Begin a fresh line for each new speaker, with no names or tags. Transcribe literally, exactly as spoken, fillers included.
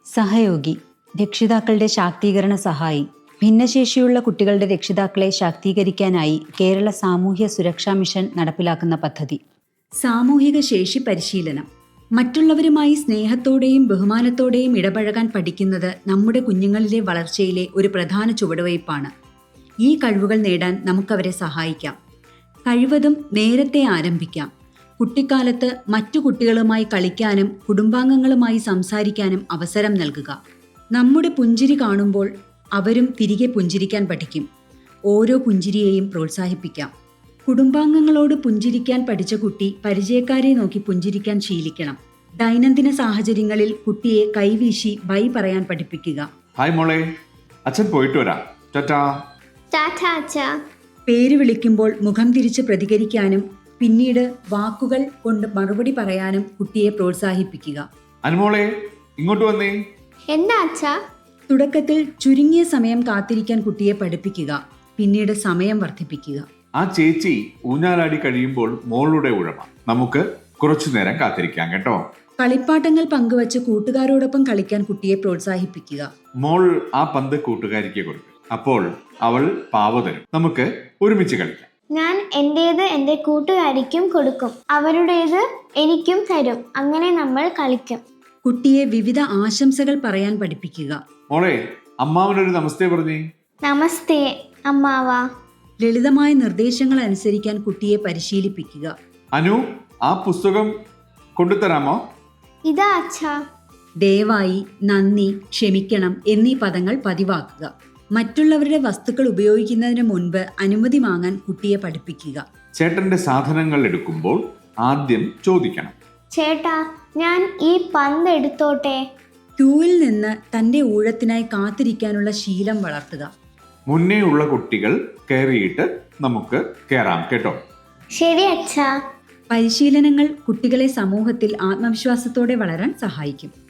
സഹയോഗി, രക്ഷിതാക്കളുടെ ശാക്തീകരണ സഹായി. ഭിന്നശേഷിയുള്ള കുട്ടികളുടെ രക്ഷിതാക്കളെ ശാക്തീകരിക്കാനായി കേരള സാമൂഹ്യ സുരക്ഷാ മിഷൻ നടപ്പിലാക്കുന്ന പദ്ധതി. സാമൂഹിക ശേഷി പരിശീലനം. മറ്റുള്ളവരുമായി സ്നേഹത്തോടെയും ബഹുമാനത്തോടെയും ഇടപഴകാൻ പഠിക്കുന്നത് നമ്മുടെ കുഞ്ഞുങ്ങളിലെ വളർച്ചയിലെ ഒരു പ്രധാന ചുവടുവയ്പ്പാണ്. ഈ കഴിവുകൾ നേടാൻ നമുക്കവരെ സഹായിക്കാം. കഴിവതും നേരത്തെ ആരംഭിക്കാം. കുട്ടിക്കാലത്ത് മറ്റു കുട്ടികളുമായി കളിക്കാനും കുടുംബാംഗങ്ങളുമായി സംസാരിക്കാനും അവസരം നൽകുക. നമ്മുടെ പുഞ്ചിരി കാണുമ്പോൾ അവരും തിരികെ പുഞ്ചിരിക്കാൻ പഠിക്കും. ഓരോ പുഞ്ചിരിയെയും പ്രോത്സാഹിപ്പിക്കാം. കുടുംബാംഗങ്ങളോട് പുഞ്ചിരിക്കാൻ പഠിച്ച കുട്ടി പരിചയക്കാരെ നോക്കി പുഞ്ചിരിക്കാൻ ശീലിക്കണം. ദൈനംദിന സാഹചര്യങ്ങളിൽ കുട്ടിയെ കൈവീശി ബൈ പറയാൻ പഠിപ്പിക്കുക.
ഹായ് മോളെ, അച്ഛൻ പോയിട്ട് വരാം, ടാറ്റാ.
ടാറ്റാ അച്ഛാ.
പേര് വിളിക്കുമ്പോൾ മുഖം തിരിച്ച് പ്രതികരിക്കാനും പിന്നീട് വാക്കുകൾ കൊണ്ട് മറുപടി പറയാനും കുട്ടിയെ പ്രോത്സാഹിപ്പിക്കുക.
അനുമോളെ, ഇങ്ങോട്ട് വന്നേ.
എന്താ അച്ഛാ?
തുടക്കത്തിൽ ചുരുങ്ങിയ സമയം കാത്തിരിക്കാൻ കുട്ടിയെ പഠിപ്പിക്കുക. പിന്നീട് സമയം വർദ്ധിപ്പിക്കുക.
ആ ചേച്ചി ഊഞ്ഞാലാടി കഴിയുമ്പോൾ മോളുടെ ഉഴമ. നമുക്ക് കുറച്ചു നേരം കാത്തിരിക്കാം കേട്ടോ.
കളിപ്പാട്ടങ്ങൾ പങ്കുവച്ച് കൂട്ടുകാരോടൊപ്പം കളിക്കാൻ കുട്ടിയെ പ്രോത്സാഹിപ്പിക്കുക.
മോൾ ആ പന്ത് കൂട്ടുകാരിക്ക് കൊടുക്കും. അപ്പോൾ അവൾ പാവ തരും. നമുക്ക് ഒരുമിച്ച് കളിക്കാം.
ഞാൻ എന്റേത് എൻ്റെ കൂട്ടുകാരിക്കും കൊടുക്കും, അവരുടേത് എനിക്കും തരും. അങ്ങനെ നമ്മൾ കളിക്കും.
കുട്ടിയെ വിവിധ ആശംസകൾ പറയാൻ പഠിപ്പിക്കുക.
മോളെ, അമ്മാവനൊരു നമസ്തേ പറഞ്ഞേ.
നമസ്തേ അമ്മാവാ.
ലളിതമായ നിർദ്ദേശങ്ങൾ അനുസരിക്കാൻ കുട്ടിയെ പരിശീലിപ്പിക്കുക.
അനു, ആ പുസ്തകം കൊണ്ടുതരാമോ?
ഇതാ അച്ഛാ.
ദയവായി, നന്ദി, ക്ഷമിക്കണം എന്നീ പദങ്ങൾ പതിവാക്കുക. മറ്റുള്ളവരുടെ വസ്തുക്കൾ ഉപയോഗിക്കുന്നതിന് മുൻപ് അനുമതി വാങ്ങാൻ കുട്ടിയെ പഠിപ്പിക്കുക.
ചേട്ടന്റെ സാധനങ്ങൾ എടുക്കുമ്പോൾ ആദ്യം ചോദിക്കണം,
ചേട്ടാ, ഞാൻ ഈ പന്ത് എടുത്തോട്ടെ?
ക്യൂവിൽ നിന്ന് തന്റെ ഊഴത്തിനായി കാത്തിരിക്കാനുള്ള ശീലം വളർത്തുക.
മുന്നേ ഉള്ള കുട്ടികൾ കയറിയിട്ട് നമുക്ക് കയറാം കേട്ടോ.
ശരി അച്ഛാ.
പരിശീലനങ്ങൾ കുട്ടികളെ സമൂഹത്തിൽ ആത്മവിശ്വാസത്തോടെ വളരാൻ സഹായിക്കും.